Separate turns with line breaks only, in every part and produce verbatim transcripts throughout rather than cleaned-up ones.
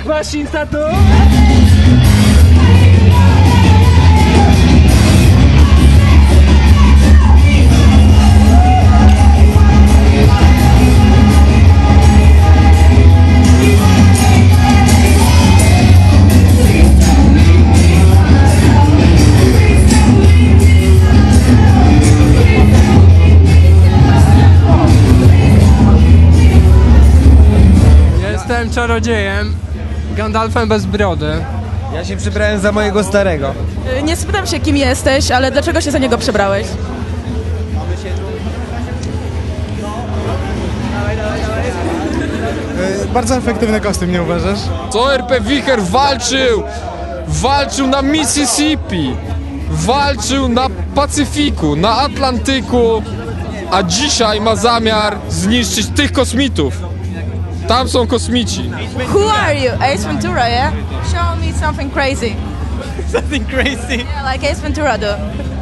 machine tattoo?
Jestem czarodziejem, Gandalfem bez brody.
Ja się przebrałem za mojego starego.
Nie spytam się, kim jesteś, ale dlaczego się za niego przebrałeś?
Yy, bardzo efektywny kostium, nie uważasz?
Co R P Wicher walczył? Walczył na Mississippi, walczył na Pacyfiku, na Atlantyku, a dzisiaj ma zamiar zniszczyć tych kosmitów. Tam są kosmici.
Who are you? Ace Ventura, yeah? Show me something crazy.
Something crazy.
Yeah, like Ace Ventura do.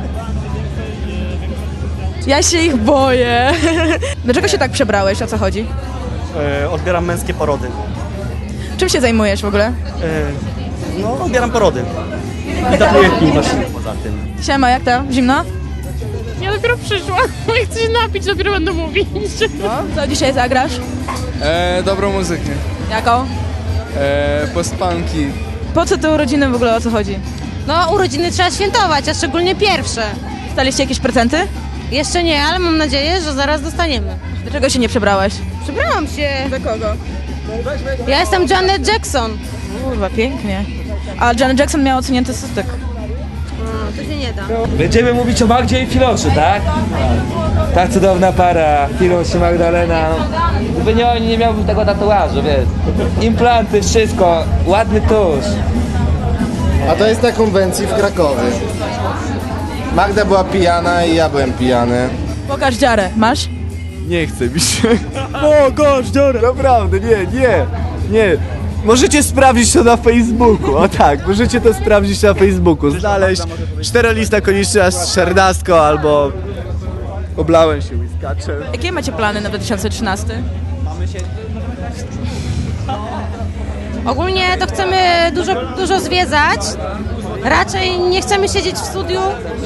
Ja się ich boję. Dlaczego się tak przebrałeś? O co chodzi?
E, odbieram męskie porody.
Czym się zajmujesz w ogóle?
E, no, odbieram porody. I tatuję film właśnie poza tym.
Siema, jak to? Zimno?
Ja dopiero przyszłam, jak chcę się napić, dopiero będę mówić.
No. Co dzisiaj zagrasz?
E, dobrą muzykę.
Jaką?
E, postpunki.
Po co te urodziny w ogóle, o co chodzi?
No, urodziny trzeba świętować, a szczególnie pierwsze.
Dostaliście jakieś prezenty?
Jeszcze nie, ale mam nadzieję, że zaraz dostaniemy.
Dlaczego się nie przebrałeś?
Przebrałam się.
Za kogo?
Ja jestem Janet Jackson.
Kurwa, pięknie. A Janet Jackson miała odsunięty cystek.
No, to się nie da.
Będziemy mówić o Magdzie i Filoszu, tak? Ta cudowna para, Filosz i Magdalena. Gdyby nie oni, nie miałbym tego tatuażu, wiesz. Implanty, wszystko, ładny tusz.
A to jest na konwencji w Krakowie. Magda była pijana i ja byłem pijany.
Pokaż dziarę. Masz?
Nie chce mi się. O, gość, dobra. Naprawdę, nie, nie, nie. Możecie sprawdzić to na Facebooku, o tak, możecie to sprawdzić na Facebooku. Znaleźć czterolista konieczna z czternastką albo oblałem się whiskaczem.
Jakie macie plany na dwa tysiące trzynasty?
Ogólnie to chcemy dużo, dużo zwiedzać. Raczej nie chcemy siedzieć w studiu.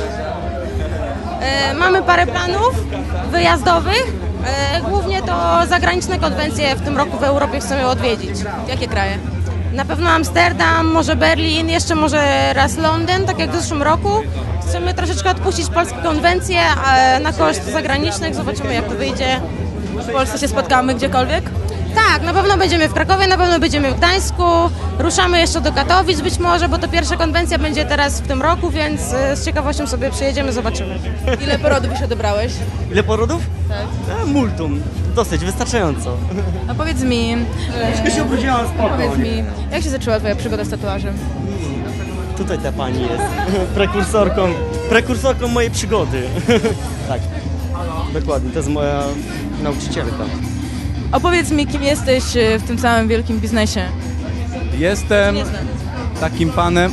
E, mamy parę planów wyjazdowych. E, głównie to zagraniczne konwencje w tym roku w Europie chcemy odwiedzić.
Jakie kraje?
Na pewno Amsterdam, może Berlin, jeszcze może raz Londyn, tak jak w zeszłym roku. Chcemy troszeczkę odpuścić polskie konwencje e, na koszt zagranicznych. Zobaczymy, jak to wyjdzie.
W Polsce się spotkamy gdziekolwiek?
Tak, na pewno będziemy w Krakowie, na pewno będziemy w Gdańsku. Ruszamy jeszcze do Katowic być może, bo to pierwsza konwencja będzie teraz w tym roku, więc e, z ciekawością sobie przyjedziemy, zobaczymy.
Ile porodów już odebrałeś?
Ile porodów?
Tak.
E, multum. Dosyć, wystarczająco.
A powiedz mi,
Tylko się obrudziłam
powiedz
spokojnie.
mi, jak się zaczęła twoja przygoda z tatuażem?
Tutaj ta pani jest prekursorką, prekursorką mojej przygody. Tak, dokładnie, to jest moja nauczycielka.
Opowiedz mi, kim jesteś w tym całym wielkim biznesie.
Jestem
Nie znam.
takim panem,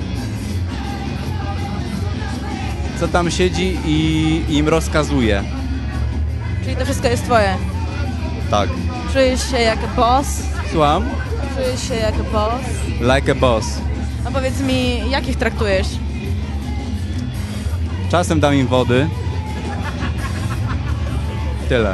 co tam siedzi i im rozkazuje.
Czyli to wszystko jest twoje.
Tak.
Czujesz się jak boss?
Słucham?
Czujesz się jak boss?
Like a boss.
A powiedz mi, jak ich traktujesz?
Czasem dam im wody. Tyle.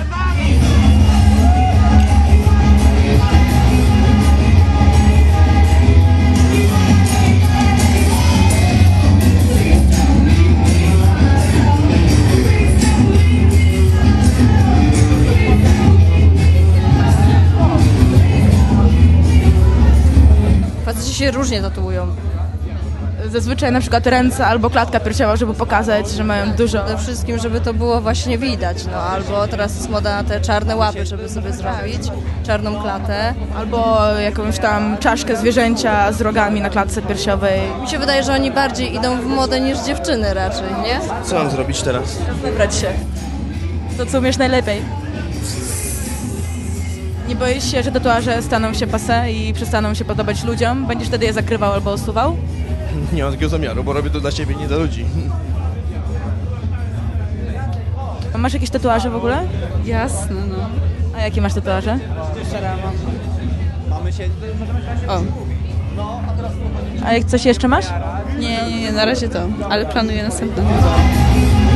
Faceci się różnie tatuują. Zazwyczaj na przykład ręce albo klatka piersiowa, żeby pokazać, że mają dużo.
Przede wszystkim, żeby to było właśnie widać, no albo teraz jest moda na te czarne łapy, żeby sobie zrobić, czarną klatę.
Albo jakąś tam czaszkę zwierzęcia z rogami na klatce piersiowej.
Mi się wydaje, że oni bardziej idą w modę niż dziewczyny raczej, nie?
Co mam zrobić teraz?
Wybrać się. To, co umiesz najlepiej. Nie boisz się, że tatuaże staną się passé i przestaną się podobać ludziom? Będziesz wtedy je zakrywał albo usuwał?
Nie mam takiego zamiaru, bo robię to dla siebie, nie dla ludzi.
A masz jakieś tatuaże w ogóle?
Jasne, no.
A jakie masz tatuaże?
Szara mam.
O.
A jak coś jeszcze masz?
Nie, nie, nie, na razie to, ale planuję następne.